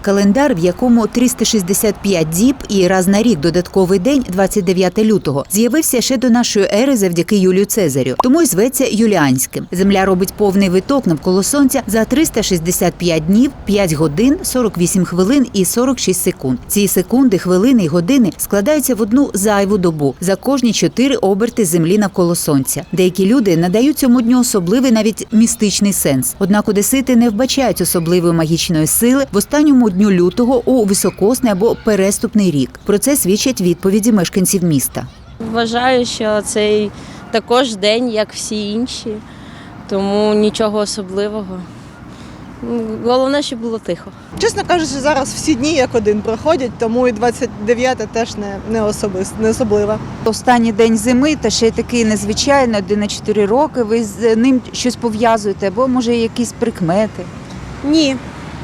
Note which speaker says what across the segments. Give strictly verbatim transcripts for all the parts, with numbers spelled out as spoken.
Speaker 1: Календар, в якому триста шістдесят п'ять діб і раз на рік додатковий день, двадцять дев'яте лютого, з'явився ще до нашої ери завдяки Юлію Цезарю. Тому й зветься юліанським. Земля робить повний виток навколо Сонця за триста шістдесят п'ять днів, п'ять годин, сорок вісім хвилин і сорок шість секунд. Ці секунди, хвилини і години складаються в одну зайву добу за кожні чотири оберти Землі навколо Сонця. Деякі люди надають цьому дню особливий, навіть містичний сенс. Однак одесити не вбачають особливої магічної сили в останньому дню лютого у високосний або переступний рік. Про це свідчать відповіді мешканців міста.
Speaker 2: Вважаю, що цей також день, як всі інші, тому нічого особливого. Головне, щоб було тихо.
Speaker 3: Чесно кажучи, зараз всі дні як один проходять, тому і двадцять дев'яте теж не, не, особис, не особливо.
Speaker 4: Останній день зими, та ще й такий незвичайний, один на чотири роки. Ви з ним щось пов'язуєте, або, може, якісь прикмети?
Speaker 5: Ні.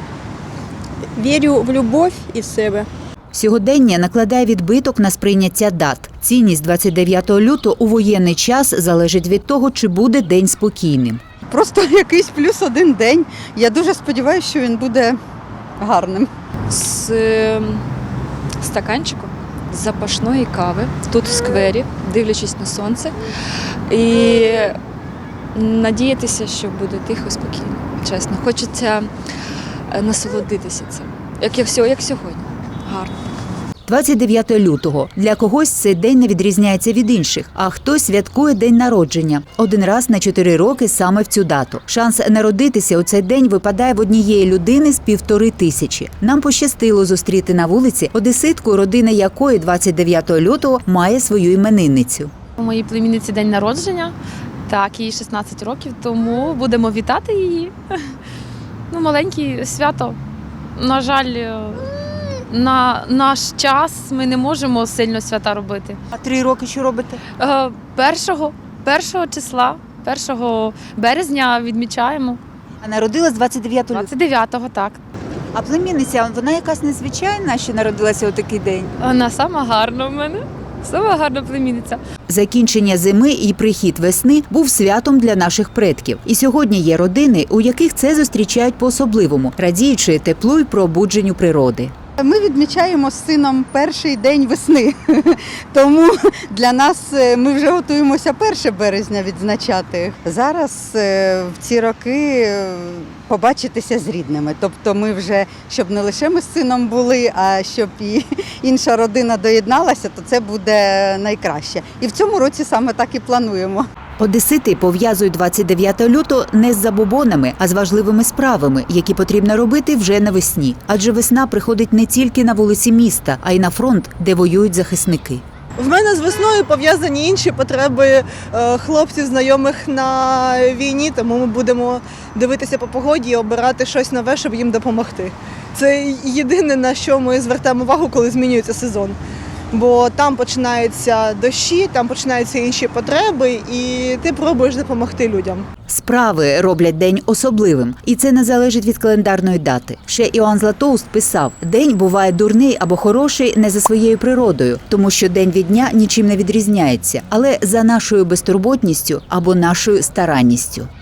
Speaker 5: Вірю в любов і в себе.
Speaker 1: Сьогодення накладає відбиток на сприйняття дат. Цінність двадцять дев'ятого лютого у воєнний час залежить від того, чи буде день спокійним.
Speaker 6: Просто якийсь плюс один день. Я дуже сподіваюся, що він буде гарним.
Speaker 7: З е, стаканчиком запашної кави тут в сквері, дивлячись на сонце, і надіятися, що буде тихо, спокійно. Чесно, хочеться насолодитися цим, як, як, як сьогодні. Гарно.
Speaker 1: двадцять дев'ятого лютого. Для когось цей день не відрізняється від інших, а хтось святкує день народження. Один раз на чотири роки саме в цю дату. Шанс народитися у цей день випадає в однієї людини з півтори тисячі. Нам пощастило зустріти на вулиці одеситку, родина якої двадцять дев'ятого лютого має свою іменинницю.
Speaker 8: У моїй племінниці день народження, так, їй шістнадцять років, тому будемо вітати її. Ну, маленьке свято. На жаль, на наш час ми не можемо сильно свята робити.
Speaker 4: А три роки що робите?
Speaker 8: Е, Першого, першого числа, першого березня відмічаємо.
Speaker 4: А народилась двадцять дев'ятого лютого.
Speaker 8: двадцять дев'ятого, так.
Speaker 4: А племінниця, вона якась незвичайна, що народилася у такий день?
Speaker 8: Вона сама гарна в мене. Сама гарна племінниця.
Speaker 1: Закінчення зими і прихід весни був святом для наших предків. І сьогодні є родини, у яких це зустрічають по-особливому, радіючи теплу й пробудженню природи.
Speaker 6: Ми відмічаємо з сином перший день весни, тому для нас ми вже готуємося першого березня відзначати. Зараз в ці роки побачитися з рідними. Тобто ми вже, щоб не лише ми з сином були, а щоб і інша родина доєдналася, то це буде найкраще. І в цьому році саме так і плануємо.
Speaker 1: Одесити пов'язують двадцять дев'ятого лютого не з забобонами, а з важливими справами, які потрібно робити вже навесні. Адже весна приходить не тільки на вулиці міста, а й на фронт, де воюють захисники.
Speaker 3: В мене з весною пов'язані інші потреби хлопців, знайомих на війні, тому ми будемо дивитися по погоді і обирати щось нове, щоб їм допомогти. Це єдине, на що ми звертаємо увагу, коли змінюється сезон. Бо там починаються дощі, там починаються інші потреби, і ти пробуєш допомогти людям.
Speaker 1: Справи роблять день особливим, і це не залежить від календарної дати. Ще Іоанн Златоуст писав: «День буває дурний або хороший не за своєю природою, тому що день від дня нічим не відрізняється, але за нашою безтурботністю або нашою старанністю».